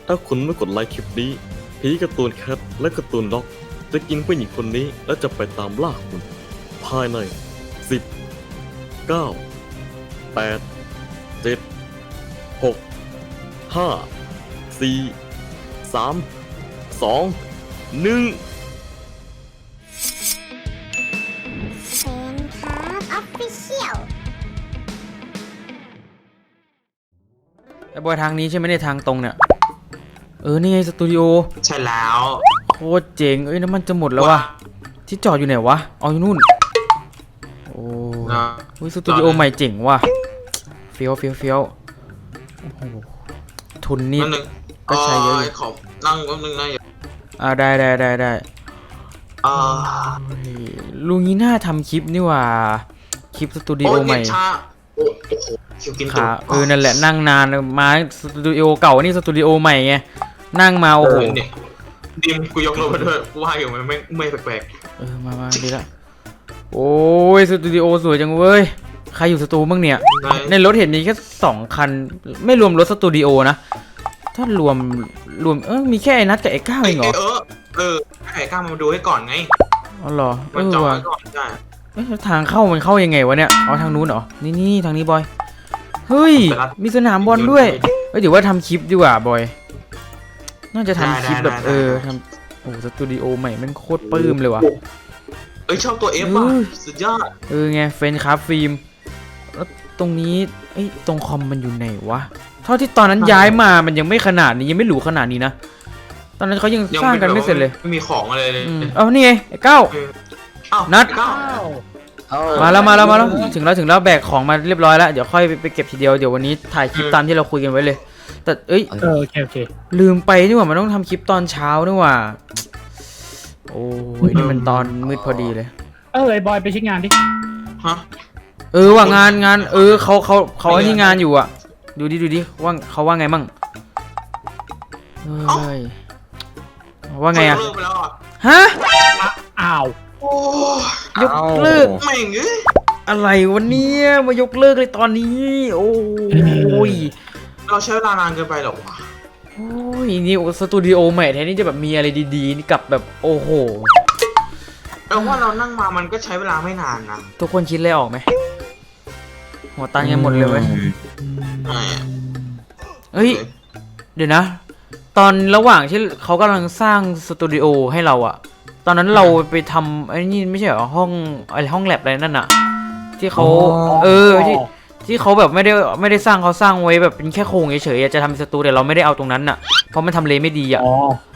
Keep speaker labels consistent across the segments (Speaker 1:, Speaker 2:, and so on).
Speaker 1: ถ้าคุณไม่กดไลค์คลิปนี้ผีการ์ตูนแคทและการ์ตูนด็อกจะกินผู้หญิงคนนี้และจะไปตามล่าคุณภายใน10 9 8 7 6 5 4 3 2 1
Speaker 2: เซนครับออฟฟิเชียล
Speaker 3: ไอ้บอยทางนี้ใช่ไหมในทางตรงเนี่ยนี่ไงสตูดิโอ
Speaker 4: ใช่แล้ว
Speaker 3: โคตรเจ๋งน้ำมันจะหมดแล้ววะที่จอดอยู่ไหนวะเอาอยู่นู่นโอ้ยสตูดิโอใหม่เจ๋งว่ะเฟี้ยวโอ้โหทุนนี่ก็ใช้เยอะอยู่
Speaker 4: ขอนั่งแป๊บนึงนะ
Speaker 3: ได้ลุงนี้น่าทำคลิปนี่ว่าคลิปสตูดิโอใหม่
Speaker 4: โอ้โหคิวกิน
Speaker 3: ขานั่นแหละนั่งนานมาสตูดิโอเก่านี่สตูดิโอใหม่ไงนั่งมาโอ้โห
Speaker 4: ดิมกูยกรถมาด้วยกูว่าอยู่มันไม่แปลก
Speaker 3: มาดีละโอ้ยสตูดิโอสวยจังเว้ยใครอยู่สตูบ้างเนี่ยในรถเห็นมีแค่2 คันไม่รวมรถสตูดิโอนะถ้ารวมมีแค่ไอ้นัทกับไอ้ก้าวเองเหรอ
Speaker 4: ไอ้ก้าวมาดูให้ก่อนไง
Speaker 3: อ๋อเหรอ
Speaker 4: มันจอดไว้ก่อนได้
Speaker 3: ทางเข้ามันเข้ายังไงวะเนี่ยอ๋อทางนู้นเหรอนี่ทางนี้บอยเฮ้ยมีสนามบอลด้วยเดี๋ยวว่าทำคลิปดีกว่าบอยน่าจะทำคลิปแบบทำโอ้สตูดิโอใหม่มันโคตรปลื้มเลยว่ะ
Speaker 4: ชอบตัว F ว่ะสุดยอด
Speaker 3: ไงเฟนคราฟฟิล์มแล้วตรงนี้ตรงคอมมันอยู่ไหนวะเท่าที่ตอนนั้นย้ายมามันยังไม่ขนาดนี้ยังไม่หรูขนาดนี้นะตอนนั้นเขายังสร้างกันไม่เสร็จเลย
Speaker 4: ไม่มีของอะไรเลย
Speaker 3: นี่ไงไอ้ก้าวนัดมาแล้วถึงแล้วแบกของมาเรียบร้อยแล้วเดี๋ยวค่อยไปเก็บทีเดียวเดี๋ยววันนี้ถ่ายคลิปตามที่เราคุยกันไว้เลยแต่
Speaker 5: โอเค
Speaker 3: ลืมไปนี่ว่ามันต้องทำคลิปตอนเช้านี่ว่าโอ้ยนี่มันตอนมืดพอดีเลย
Speaker 5: ไอ้บอยไปเช็คงานดิ
Speaker 4: ฮะ
Speaker 3: ว่างานเขาไอ้นี่งานอยู่อ่ะดูดิว่าเขาว่าไงมั่งว่าไงอ่ะฮะ
Speaker 5: อ้าวย
Speaker 3: กเลิก
Speaker 4: ไม่เงี้ย
Speaker 3: อะไรวันนี้มายกเลิกเลยตอนนี้โอ้ย
Speaker 4: เราใช้เวลานานเกินไปหรอวะ
Speaker 3: โอ้ยนี่สตูดิโอใหม่แทนที่จะแบบมีอะไรดีๆนี่กลับแบบโอ้โห
Speaker 4: แต่ว่าเรานั่งมามันก็ใช้เวลาไม่นานนะ
Speaker 3: ทุกคนคิดอะไรออกไหมหัวตังยังหมดเลยเว้ยเดี๋ยวนะตอนระหว่างที่เขากำลังสร้างสตูดิโอให้เราอะตอนนั้นเราไปทำไอ้นี่ไม่ใช่เหรอห้องแลบอะไรนั่นอะที่เขาที่เขาแบบไม่ได้สร้างเขาสร้างไว้แบบเป็นแค่โครงเฉยๆจะทำสตูแต่เราไม่ได้เอาตรงนั้นอะเพราะมันทำเลไม่ดีอะ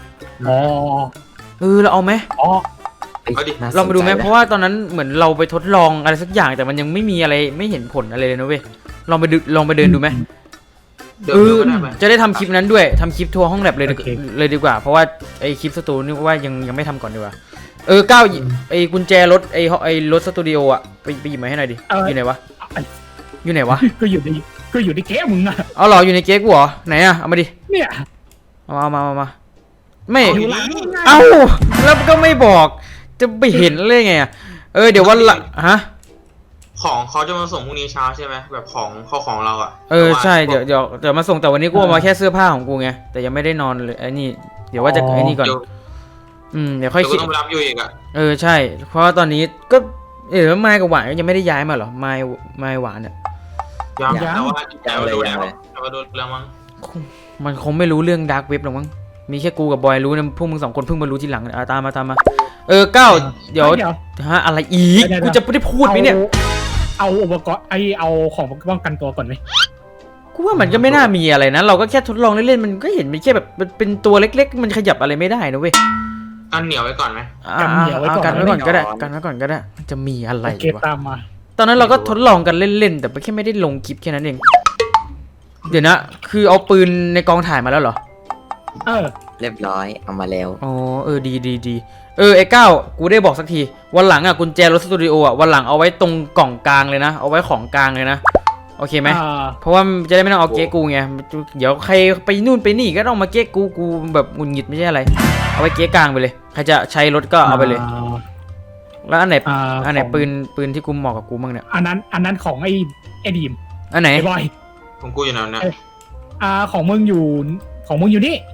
Speaker 3: เราเอาไหมเรามาดูไหมเพราะว่าตอนนั้นเหมือนเราไปทดลองอะไรสักอย่างแต่มันยังไม่มีอะไรไม่เห็นผลอะไรเลยนะเว้ยลองไปเดินดูไหมจะได้ทำคลิปนั้นด้วยทำคลิปทัวร์ห้องแลบเลยดีกว่าเพราะว่าไอคลิปสตูนี่ว่ายังไม่ทำก่อนดีกว่าก้าวไอกุญแจรถไอรถสตูดิโออะไปหยิบมาให้หน่อยดิอยู่ไหนวะ
Speaker 5: ก็อยู่ในเก๊มึงอะ
Speaker 3: เอาหรออยู่ในเก๊กูเหรอไหนอะเอามาดิ
Speaker 5: เนี่ย
Speaker 3: เอามาไม่เอาแล้วก็ไม่บอกจะไปเห็นเลยไงเดี๋ยววันละฮะ
Speaker 4: ของเขาจะมาส่งพรุ่งนี้เช้าใช่ไหมแบบของเราอ่ะ
Speaker 3: ใช่เดี๋ยวมาส่งแต่วันนี้กูเอามาแค่เสื้อผ้าของกูไงแต่ยังไม่ได้นอนเลยไอ้นี่เดี๋ยวว่าจะไอ้นี่ก่อนเดี๋ยวค่อยคิด
Speaker 4: ต้องรับอยู่อีกอ่ะ
Speaker 3: ใช่เพราะว่าตอนนี้ก็ไม้กับหวานยังไม่ได้ย้ายมาหรอไม้หวานเนี่ย
Speaker 4: ยังแต่ว่าดูแล้วมั้ง
Speaker 3: มันคงไม่รู้เรื่องดาร์กเว็บหรอกมั้งมีแค่กูกับบอยรู้นะพวกมึง2 คนเพิ่งมารู้ทีหลังตามมาก้าวเดี๋ยวอะไรอีกกูจะไม่ได้พูดไหมเนี่ย
Speaker 5: เอาอุปกรณ์เอาของป้องกันตัวก่อนไหม
Speaker 3: กูว่ามันก็ไม่น่ามีอะไรนะเราก็แค่ทดลองเล่นๆมันก็เห็นมันแค่แบบเป็นตัวเล็กๆมันขยับอะไรไม่ได้นะเว้ย
Speaker 4: กันเหนียวไว้ก่อนไหม
Speaker 3: กันเหนียวไว้ก่อนก็ได้จะมีอะไรวะ
Speaker 5: ตามมา
Speaker 3: ตอนนั้นเราก็ทดลองกันเล่นๆแต่แค่ไม่ได้ลงคลิปแค่นั้นเองเดี๋ยวนะคือเอาปืนในกองถ่ายมาแล้วเหรอ
Speaker 6: เรียบร้อยเอามาแล้ว
Speaker 3: ดีไอ้ก้าวกูได้บอกสักทีวันหลังกุญแจรถสตูดิโอวันหลังเอาไว้ตรงกล่องกลางเลยนะเอาไว้ของกลางเลยนะโอเคไหมเพราะว่าจะได้ไม่ต้องเอาเก๊กูไงเดี๋ยวใครไปนู่นไปนี่ก็ต้องมาเก๊กูแบบหงุดหงิดไม่ใช่อะไรเอาไว้เก๊กลางไปเลยใครจะใช้รถก็เอาไปเลยแล้วอันไหนปืนที่กูเหมาะกับกูบ้างเนี่ย
Speaker 5: อันนั้นของไอ้ดีม
Speaker 3: อันไหน
Speaker 5: บอย
Speaker 4: ของกูอยู่ไหนนะ
Speaker 5: ของมึงอยู่นี่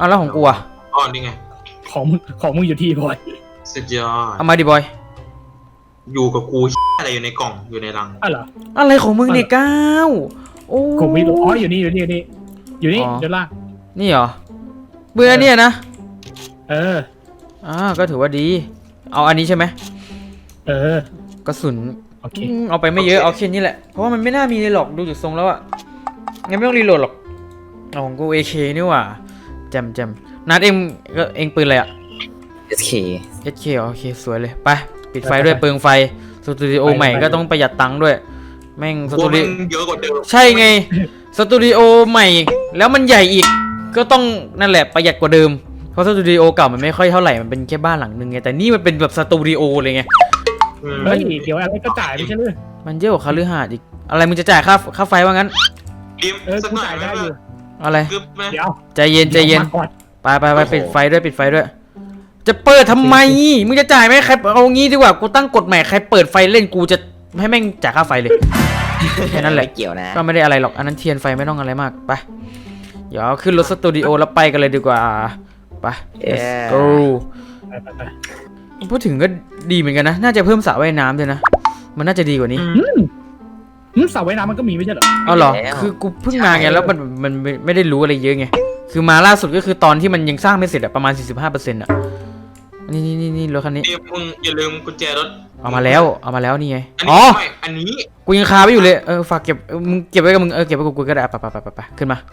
Speaker 3: เอาแล้วของกูอะ
Speaker 4: อ๋อนี่ไง
Speaker 5: ของมึงอยู่ที่บอย
Speaker 4: สุดยอด
Speaker 3: เอามาดิบอย
Speaker 4: อยู่กับกูอะไรอยู่ในกล่องอยู่ในรัง
Speaker 5: อ๋อเหรอ
Speaker 3: อะไรของมึงเนี่ยก้าวโอ้
Speaker 5: กูไม่รู้อ๋ออยู่นี่อยู่นี่อยู่นี่เดี๋ยวล่าง
Speaker 3: นี่เหรอเบื่อเนี่ยนะ
Speaker 5: เออ
Speaker 3: ก็ถือว่าดี เอาอันนี้ใช่ไหม
Speaker 5: เออ
Speaker 3: กระสุน
Speaker 5: โอเค
Speaker 3: เอาไปไม่เยอะเอาแค่นี้แหละเพราะว่ามันไม่น่ามีเลยหรอกดูจากทรงแล้วอะงั้นไม่ต้องรีโหลดหรอกเอาของกู AK นี่หว่าแจมนัดเองปืนอะไรอะ
Speaker 6: SK
Speaker 3: SK เหรอโอเคสวยเลยไปปิดไฟด้วยเปลืองไฟสตูดิโอใหม่ก็ต้องประหยัดตังค์ด้วยแม่งส
Speaker 4: กู
Speaker 3: ตูดิ
Speaker 4: มันเยอะกว่าเดิม
Speaker 3: ใช่ไงสตูดิโอใหม่แล้วมันใหญ่อีกก็ต้องนั่นแหละประหยัดกว่าเดิมเพราะสตูดิโอเก่ามันไม่ค่อยเท่าไหร่มันเป็นแค่บ้านหลังนึงไงแต่นี่มันเป็นแบบสตูดิโอเลยไง
Speaker 5: เฮ้ยเดี๋ยวอะไรก็จ่ายไม่ใช่หรือ
Speaker 3: มันเยอะกว่าคฤหาสน์อีกอะไรมึงจะจ่ายค่าไฟว่างั้น
Speaker 4: ดิม
Speaker 5: เออ
Speaker 4: สัก
Speaker 5: กู
Speaker 4: หน่อย
Speaker 5: จ่าย
Speaker 4: ไหม
Speaker 5: ได้อยู่
Speaker 3: อะไร
Speaker 4: กึ๊บไหม
Speaker 5: เดี๋ยว
Speaker 3: ใจเย็น
Speaker 5: มาก่อน
Speaker 3: ไปปิดไฟด้วยปิดไฟด้วย จะเปิดทำไมมึงจะจ่ายไหมใครเอางี้ดีกว่ากูตั้งกฎใหม่ใครเปิดไฟเล่นกูจะให้แม่งจ่ายค่าไฟเลยแค่นั้นแหละ
Speaker 6: ไม่เกี่ยวนะ
Speaker 3: ก็ไม่ได้อะไรหรอกอันนั้นเทียนไฟไม่ต้องอะไรมากไปเดี๋ยวขึ้นรถสตูดิโอแล้วไปกันเลยดีกว่าไป let's go
Speaker 5: ไป
Speaker 3: พูดถึงก็ดีเหมือนกันนะน่าจะเพิ่มสระว่ายน้ำด้วยนะมันน่าจะดีกว่านี้
Speaker 5: สระว่ายน้ำมันก็มีไม่ใช่เหรอ
Speaker 3: เอาเหรอคือกูเพิ่งมาไงแล้วมันไม่ได้รู้อะไรเยอะไงคือมาล่าสุดก็คือตอนที่มันยังสร้างไม่เสร็จอะประมาณ 45%อะนี่รถคันนี้
Speaker 4: ดิมมึงอย่าลืมกุญแจรถ
Speaker 3: เอามาแล้วนี่ไง
Speaker 4: อัน
Speaker 3: อ๋
Speaker 4: นี้
Speaker 3: อ
Speaker 4: ไม่อันนี้
Speaker 3: กูยังคาไว้อยู่เลยฝากเก็บมึงเก็บไว้กับมึงเก็บไว้กับกูก็ได้ไปขึ้นมา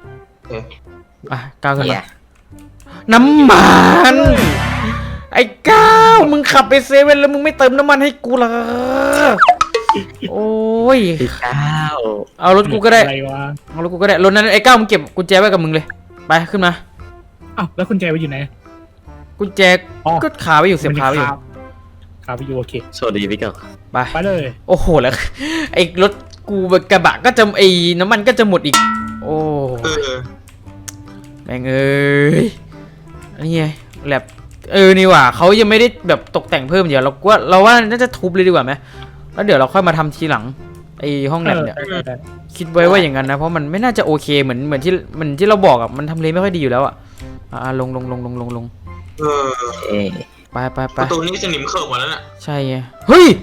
Speaker 3: ก้าวขึ้นมา
Speaker 6: เนี่ย
Speaker 3: น้ำมันไอ้ก้าวมึงขับไปเซเว่นแล้วมึงไม่เติมน้ำมันให้กูเหรอโอ้ย
Speaker 6: อ้าว
Speaker 3: เอารถกูก็ได้
Speaker 5: อะไรวะ
Speaker 3: เอารถกูก็ได้รถนั้นไอ้ก้าวมึงเก็บกุญแจไว้กับมึงเลยไปขึ้นมา
Speaker 5: อ้าวแล้วคุณแจไปอยู่ไหน
Speaker 3: กุญแจ
Speaker 5: อ๋อ
Speaker 3: ก็ขาไว้อยู่เสียบขาไว้อยู่
Speaker 5: ขาไปอยู่โอเค
Speaker 1: สวัสดีพี่เก่า
Speaker 3: ไป
Speaker 5: ไปเลย
Speaker 3: โอ้โหแล้วไอ้รถกูกระบะก็จะไอ้น้ำมันก็จะหมดอีกโอ้
Speaker 4: เออ
Speaker 3: แม่งเอ้ยนี่ไงแลบนี่ว่ะเขายังไม่ได้แบบตกแต่งเพิ่มเดี๋ยวเราว่าน่าจะทุบเลยดีกว่าไหมแล้วเดี๋ยวเราค่อยมาทำทีหลังไอ้ห้องแลบเนี่ยคิดไว้ว่าอย่างนั้นนะเพราะมันไม่น่าจะโอเคเหมือนที่เราบอกอ่ะมันทำเลไม่ค่อยดีอยู่แล้วอ่ะลง
Speaker 4: เออ
Speaker 6: เอ๊ะ
Speaker 3: ไป
Speaker 4: ประตูนี้จะหนิมเขิบหมดแล้วน่ะ
Speaker 3: ใช่ไงเฮ้ย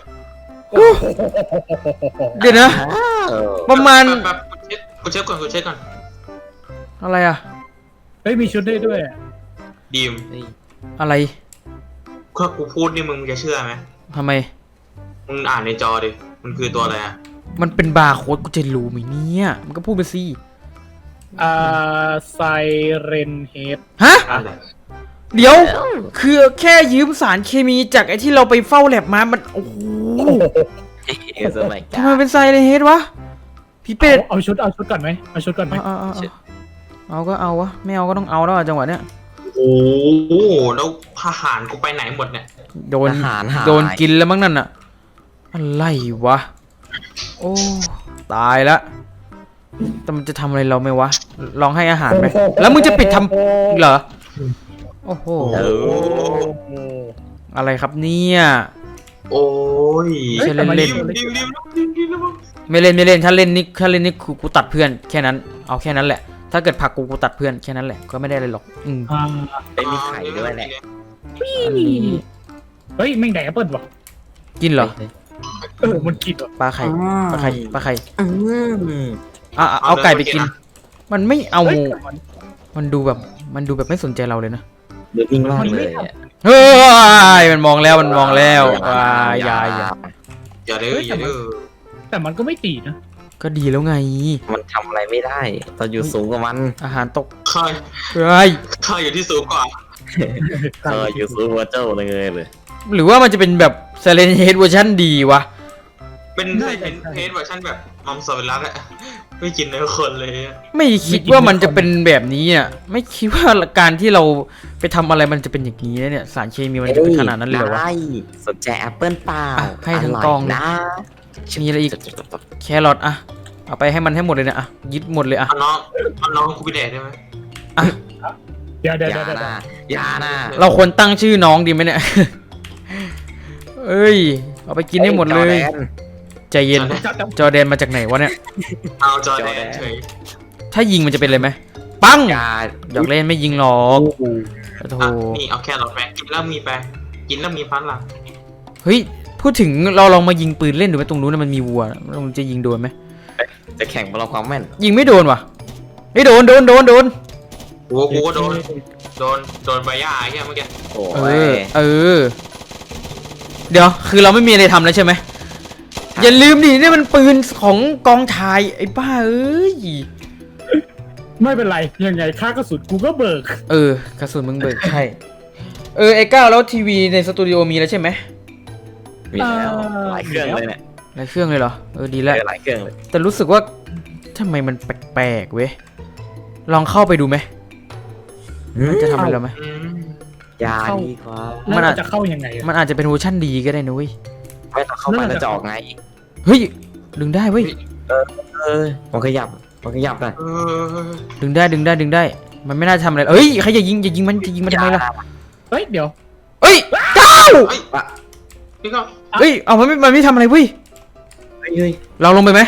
Speaker 3: เดี๋ยวนะ ประมาณ
Speaker 4: แบบกูเช็คก่อน
Speaker 3: อะไรอะ
Speaker 5: เฮ้ยมีชุดได้ด้วย
Speaker 4: ดิม
Speaker 3: อะไร
Speaker 4: ถ้ากูพูดนี่มึงจะเชื่อไหม
Speaker 3: ทำไม
Speaker 4: มึงอ่านในจอดิมันคือตัวอะไรอ่ะ
Speaker 3: มันเป็นบาร์โค้ดกูจะรู้ไหมเนี่ยมันก็พูดไปสิ
Speaker 5: ไซเรนเฮด
Speaker 3: ฮะ
Speaker 4: อะไร
Speaker 3: เดี๋ยวคือแค่ยืมสารเคมีจากไอ้ที่เราไปเฝ้าแลบมามันโอ้โห
Speaker 6: สมัย
Speaker 3: ทำไมเป็นไซเลนเฮดวะพี่เป็ด
Speaker 5: เอาชุดก่อนไหมเอาชุดก่อนไหม
Speaker 3: เอาก็เอาวะไม่เอาก็ต้องเอาแล้วจังหวะเนี้ย
Speaker 4: โอ้โหแล้วทหารกูไปไหนหมดเนี่ย
Speaker 3: โดน
Speaker 6: อาหารหาย
Speaker 3: โดนกินแล้วมั้งนั่นอะอะไรวะโอ้ตายละแต่มันจะทำอะไรเราไหมวะลองให้อาหารไหมแล้วมึงจะปิดทำเหรอโอ้โห
Speaker 6: เออ
Speaker 3: อะไรครับเนี่ย
Speaker 4: โอ้ย
Speaker 3: ใช่เล่น
Speaker 4: ดิม
Speaker 3: ไม่เล่นถ้าเล่นนี่กูตัดเพื่อนแค่นั้นเอาแค่นั้นแหละถ้าเกิดผลักกูตัดเพื่อนแค่นั้นแหละก็ไม่ได้อะไรหรอก
Speaker 5: อ่า
Speaker 6: ไม่มีไข่ด้วยแหละ
Speaker 3: อันนี้
Speaker 5: เฮ้ยแม่งแดกแอปเปิลวะ
Speaker 3: กินเหรอ
Speaker 5: มันกินวะ
Speaker 3: ปลาไข่ปลาไข่
Speaker 6: อืม
Speaker 3: เอาไก่ไปกิน มันไม่เอา
Speaker 5: เฮ้ย
Speaker 3: มันดูแบบไม่สนใจเราเลยนะ
Speaker 6: เดือดวิ่งรอดเลยอะ
Speaker 3: เฮ้ยมันมองแล้วอย่า
Speaker 4: อย่าดื้อ
Speaker 5: แต่มันก็ไม่ตีนะ
Speaker 3: ก็ดีแล้วไง
Speaker 6: มันทำอะไรไม่ได้ตอนอยู่สูงกว่ามัน
Speaker 3: อาหารตก
Speaker 4: ข้า
Speaker 3: เฮ้ย
Speaker 4: อยู่ที่สูงกว่า
Speaker 6: อยู่สูงกว่าเจ้าเลยเลย
Speaker 3: หรือว่ามันจะเป็นแบบไซเลนเฮดเวอร์ชันดีวะ
Speaker 4: เป็นเพจเวอร์ชันแบบมัมสวิรัตอะไม่กินเนื้อคนเลยอะ
Speaker 3: ไม่คิดว่ามันจะเป็นแบบนี้อ่ะไม่คิดว่าการที่เราไปทำอะไรมันจะเป็นอย่างนี้นะเนี่ยสารเคมีมันจะเป็นขนาดนั้นเลยเหรอวะ
Speaker 6: ได้สนใจแอปเปิลเปล่า
Speaker 3: อ่ะให้ทั้งกอง
Speaker 6: ร่ยนะ
Speaker 3: มีอะไรอีก แครอทอะเอาไปให้มันให้หมดเลยนะอะยึดหมดเลยอะ
Speaker 4: เอาน้องกูไปแดกได้ไหม
Speaker 5: เดี๋ยว
Speaker 6: อย่านะอย่านะ
Speaker 3: เราควรตั้งชื่อน้องดีไหมเนี่ย เอ้ยเอาไปกินให้หมดเลย ใจเย็นจอร์แดนมาจากไหนวะเนี่ย
Speaker 4: เอาจอแดนเฉย
Speaker 3: ถ้ายิงมันจะเป็นอะไรไหมปัง
Speaker 6: อย่า
Speaker 3: อยากเล่นไม่ยิงหรอก
Speaker 5: โอ้โห
Speaker 3: โอ้โห
Speaker 4: อ่ะนี่เอาแครอทไปกินแล้วมีไปกินแล้วมีพลัง
Speaker 3: เฮ้ยพูดถึงเราลองมายิงปืนเล่นดูไหมตรงนู้นนะมันมีวัวเราจะยิงโดนไหม
Speaker 6: จะแข่งประลองความแม่น
Speaker 3: ยิงไม่โดนว่ะไม่โดนโดนโดนโดน
Speaker 4: กูก็โดนใบหญ้าไอ้เหี้ยเมื่อกี้
Speaker 6: โอ้
Speaker 3: เอย อเออเดี๋ยวคือเราไม่มีอะไรทำแล้วใช่ไหมอย่าลืมดินี่มันปืนของกองถ่ายไอ้บ้าเอ้ย
Speaker 5: ไม่เป็นไรยังไงค่ากระสุนกูก็เบิก
Speaker 3: เออกระสุนมึงเบิกใช่ไอ้ก้าวแล้วทีวีในสตูดิโอมีแล้วใช่ไหม
Speaker 6: มีแล้วหลายเครื่องเลยเนี่ย
Speaker 3: หลายเครื่องเลยเหรอดีแล้ว
Speaker 6: หลายเครื่องเลย
Speaker 3: แต่รู้สึกว่าทำไมมันแปลกๆเว้ยลองเข้าไปดูไหมมันจะทำอะไรเราไหม
Speaker 4: อืม
Speaker 6: อย่าดีกว่า
Speaker 5: แล้วเราจะเข้ายังไงอะ
Speaker 3: มันอาจจะเป็นเวอร์ชั่นดีก็ได้นะเว้ย
Speaker 6: ไม่ต้องเข้าไปแล้วจะออกไง
Speaker 3: เฮ้ยดึงได้เว้ย
Speaker 6: มันขยับหน่อย
Speaker 4: เออ
Speaker 3: ดึงได้ดึงได้ดึงได้ มันไม่น่าทำอะไรเอ้ยใครอย่ายิงมันจะยิงมันทำไมล่ะ
Speaker 5: เฮ้ยเดี๋ยว
Speaker 3: เอ้ยก้าว
Speaker 4: เฮ้ยพี่ก็
Speaker 3: เอ้ยเอามันไม่ทำอะไรเว้ย
Speaker 6: เฮ้ย
Speaker 3: เราลงไปไหม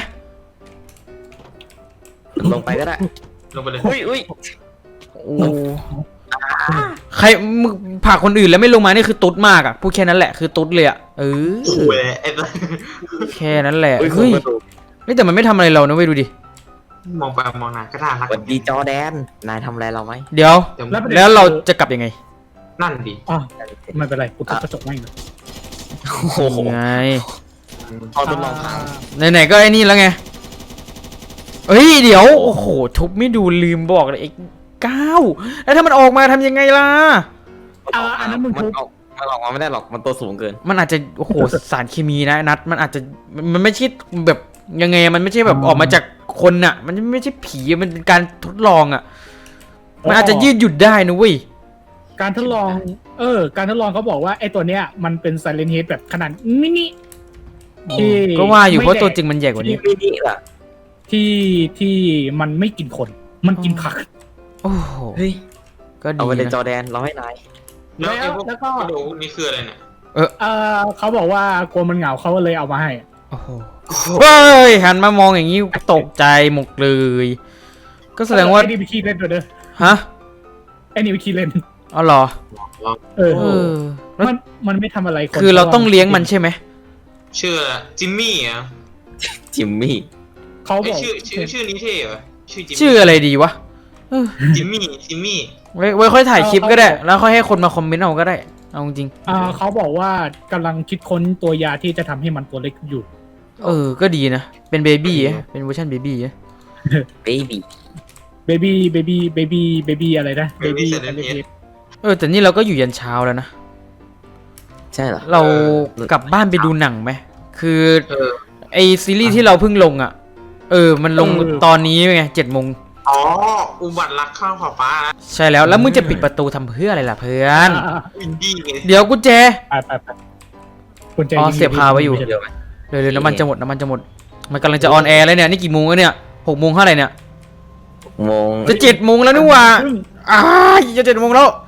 Speaker 6: ลงไปก็ได้
Speaker 4: ลงไปเลย
Speaker 6: อุ้ย
Speaker 3: โอ้ใครมึงผลักคนอื่นแล้วไม่ลงมานี่คือตุ๊ดมากอ่ะพูดแค่นั้นแหละคือตุ๊ดเลยอ่ะ
Speaker 4: โอ้
Speaker 3: เออ
Speaker 4: โหไอ้ตัว
Speaker 3: แค่นั้นแหละ
Speaker 6: อุ้ย
Speaker 3: เฮ้ย
Speaker 6: ประตู
Speaker 3: นี่แต่มันไม่ทำอะไรเรานะเว้ยดูดิ
Speaker 4: มองไปมองมาก็น่ารัก
Speaker 6: สวัสดีจอแดนนายทำอะไรเราไหม
Speaker 3: เดี๋ยว
Speaker 4: เดี๋ยว
Speaker 3: แล้วเราจะกลับยังไง
Speaker 4: นั่นดิ
Speaker 5: อ่ะไม่เป็นไรกูทุบกระจกไม่เลย
Speaker 6: โอ้โห
Speaker 3: ไง
Speaker 6: พอทดลองพัง
Speaker 3: ไหนๆก็ไอ้นี่แล้วไงเฮ้ยเดี๋ยวโอ้โหทุบไม่ดูลืมบอกเลยไอ้ก้าวแล้วถ้ามันออกมาทำยังไงล่ะ
Speaker 5: อันนั้นมึง
Speaker 6: มัน
Speaker 5: ทุบ
Speaker 6: ออกมาไม่ได้หรอกมันตัวสูงเกิน
Speaker 3: มันอาจจะโอ้โห สารเคมีนะนัดมันอาจจะมันไม่ใช่แบบยังไงมันไม่ใช่แบบออกมาจากคนน่ะ มันไม่ใช่ผีมันเป็นการทดลองอ่ะมันอาจจะยืดหยุ่นได้นะเว้ย
Speaker 5: การทดลอง การทดลองเขาบอกว่าไอ้ตัวเนี้ยมันเป็นไซเลนเฮดแบบขนาดมินิที่
Speaker 3: ก็ว่าอยู่เพ
Speaker 5: ไม่
Speaker 3: ราะ
Speaker 5: แดก
Speaker 3: ตัวจริงมันใหญ่กว่านี้
Speaker 6: นี่ล่ะ
Speaker 5: ที่มันไม่กินคน มันกินผัก
Speaker 3: โอ้โห
Speaker 6: เฮ้ย
Speaker 3: ก็
Speaker 6: เอา
Speaker 3: ดี
Speaker 6: ไปเลยจอ
Speaker 3: นะ
Speaker 6: แดนเราให้นาย
Speaker 4: แล้วไอ้พวก
Speaker 5: แล้วก็
Speaker 4: กระดูกนี่คืออะไรเนี่ย
Speaker 5: เขาบอกว่ากลัวมันเหงาเขาก็เลยเอามาให้
Speaker 3: โอ้โหเฮ้ยหันมามองอย่างนี้ตกใจหมดเลย ก็แสดงว่า
Speaker 5: ไอ้นี่ไปขี้เล่นตัวเด้อ
Speaker 3: ฮะ
Speaker 5: ไอ้นี่ไปขี้เล่น
Speaker 3: อ๋อเหรอ
Speaker 5: เออ
Speaker 3: เออแล้ว
Speaker 5: มันไม่ทำอะไรคน
Speaker 3: คือเราต้องเลี้ยงมันใช่ไหม
Speaker 4: ชื่ออะไรจิมมี่อ่ะ
Speaker 6: จิมมี่
Speaker 5: เขาบ
Speaker 4: ไอ้
Speaker 5: อก
Speaker 4: ชื่อนี้เท่เหรอชื่อจิม
Speaker 3: ชื่ออะไรดีวะเออ
Speaker 4: จิมมี่
Speaker 3: ไว้ค่อยถ่ายคลิปก็ได้ แล้วค่อยให้คนมาคอมเมนต์เอาก็ได้เอาจริง
Speaker 5: เขาบอกว่ากำลังคิดค้นตัวยาที่จะทำให้มันตัวเล็กอยู่
Speaker 3: ก็ดีนะเป็นเบบี้เป็นเวอร์ชันเบบี้
Speaker 6: เบบี้
Speaker 5: เบบี้อะไรนะเบบี้
Speaker 3: แต่นี่เราก็อยู่ยันเช้าแล้วนะ
Speaker 6: ใช่เหรอ
Speaker 3: เรากลับบ้านไปดูหนังไหมคือ
Speaker 4: เออ
Speaker 3: ไอซีรีส์ที่เราเพิ่งลงอ่ะมันลงตอนนี้ไง7 โมง
Speaker 4: อ๋ออุบัติรักข้าวขอบฟ้านะ
Speaker 3: ใช่แล้วมึงจะปิดประตูทำเพื่ออะไรล่ะเพื่อน
Speaker 4: อินดี้ไง
Speaker 3: เดี๋ยวกุญแจ
Speaker 5: ไปคุณใจ
Speaker 3: เสียบคาไว้อยู่
Speaker 6: เดี๋ยวไหม
Speaker 3: เร็วๆน้ำมันจะหมดมันกำลังจะออนแอร์แล้วเนี่ยนี่กี่โมงแล้วเนี่ย6 โมงเท่าไหร่เนี่ย
Speaker 6: โมง
Speaker 3: จะ7 โมงแล้วนี่หว่าจะ7 โมงแล้ว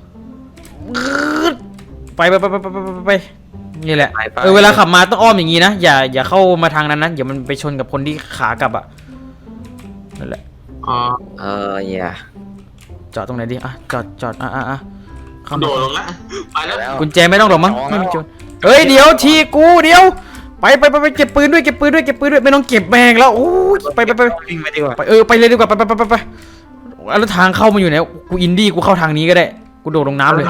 Speaker 3: ไปนี่แหละเวลาขับมาต้องอ้อมอย่างนี้นะอย่าเข้ามาทางนั้นนะอย่ามันไปชนกับคนที่ขากลับอ่ะนั่นแหละ
Speaker 4: อ๋อ
Speaker 6: อย่า
Speaker 3: จอดตรงไหนดีจอดเข้า
Speaker 4: โด
Speaker 3: มา
Speaker 4: ดลงละไปแล้ว
Speaker 3: กุญแจไม่ต้องหรอกมั้งไม่มีโจรเฮ้ยเดี๋ยวทีกูเดี๋ยวไปเก็บปืนด้วยไม่ต้องเก็บแมงแล้วโอ้ยไป
Speaker 6: วิ่งไปดีกว่า
Speaker 3: ไปเลยดีกว่าไปแล้วทางเข้ามาอยู่ไหนกูอินดี้กูเข้าทางนี้ก็ได้กูโดดลงน้ำเลย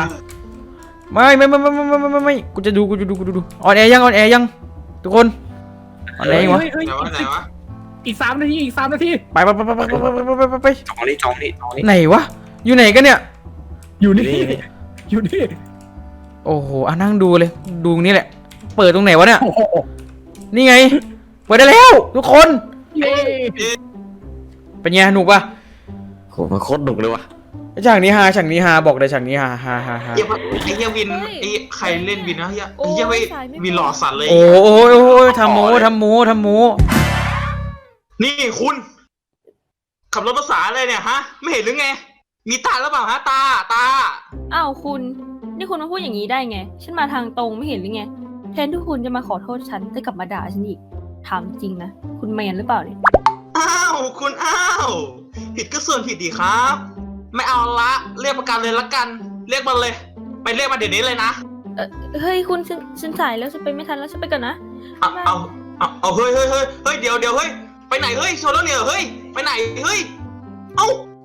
Speaker 3: ไม่กูจะดูออนแอร์ยังทุกคนออนแอร์ยังวะ
Speaker 4: ไหนวะ
Speaker 5: อีก3 นาที
Speaker 3: ไป
Speaker 6: จองนี่
Speaker 3: ไหนวะอยู่ไหนกันเนี่ย
Speaker 5: อยู่นี่อยู่นี่
Speaker 3: โอ้โหนั่งดูเลยดูนี่แหละเปิดตรงไหนวะเนี่ย
Speaker 5: โอ้โห
Speaker 3: นี่ไงเปิดได้แล้วทุกคน
Speaker 5: เย้
Speaker 3: เป็นไงหนุกปะ
Speaker 6: โหมันโคตรหนุกเลยว่ะ
Speaker 3: ฉากนี้ฮาบอกเลยฉากนี้ฮา
Speaker 4: ไอ้เฮียวินไอ้ใครเล่นวินนะเฮียไอ้เฮียวินหล่อสัตว์เลย
Speaker 3: โอ้ยทำโม
Speaker 4: นี่คุณ ขับรถภาษาอะไรเนี่ยฮะ ไม่เห็นหรือไง มีตาหรือเปล่าฮะตา
Speaker 7: อ้าวคุณ นี่คุณมาพูดอย่างนี้ได้ไง ฉันมาทางตรงไม่เห็นหรือไง แทนที่คุณจะมาขอโทษฉันแต่กลับมาด่าฉันอีก ถามจริงนะ คุณแมนหรือเปล่าเนี่ย
Speaker 4: อ้าวคุณอ้าวผิดก็ส่วนผิดดีครับ ไม่เอาละเรียกประกันเลยละกัน เรียกมันเลย ไปเรียกมาเดี๋ยวนี้เลยนะ
Speaker 7: เฮ้ยคุณฉันสายแล้วฉันไปไม่ทันแล้วฉันไปก่อนนะ
Speaker 4: เอาเฮ้ยเดี๋ยวเฮ้ยไปไหนเฮ้ยโซโลเนี่ยเฮ้ยไปไหนเฮ้ยเอ้า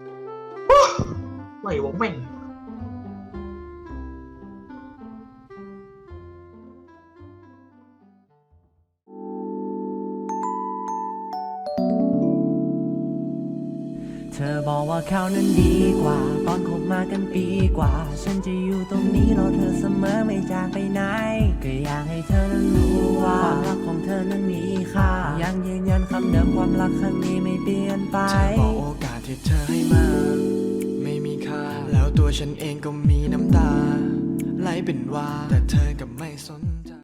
Speaker 4: ไหววะแม่ง
Speaker 8: เธอบอกว่าเขานั้นดีกว่าตอนคบมากันปีกว่าฉันจะอยู่ตรงนี้รอเธอเสมอไม่จากไปไหนก็อยากให้เธอนั้นรู้ว่าความรักของเธอนั้นมีค่ายังยืนยันคำเดิมความรักครั้งนี้ไม่เปลี่ยนไปเธอบอกโอกาสที่เธอให้มาไม่มีค่าแล้วตัวฉันเองก็มีน้ำตาไหลเป็นว่าแต่เธอกับไม่สน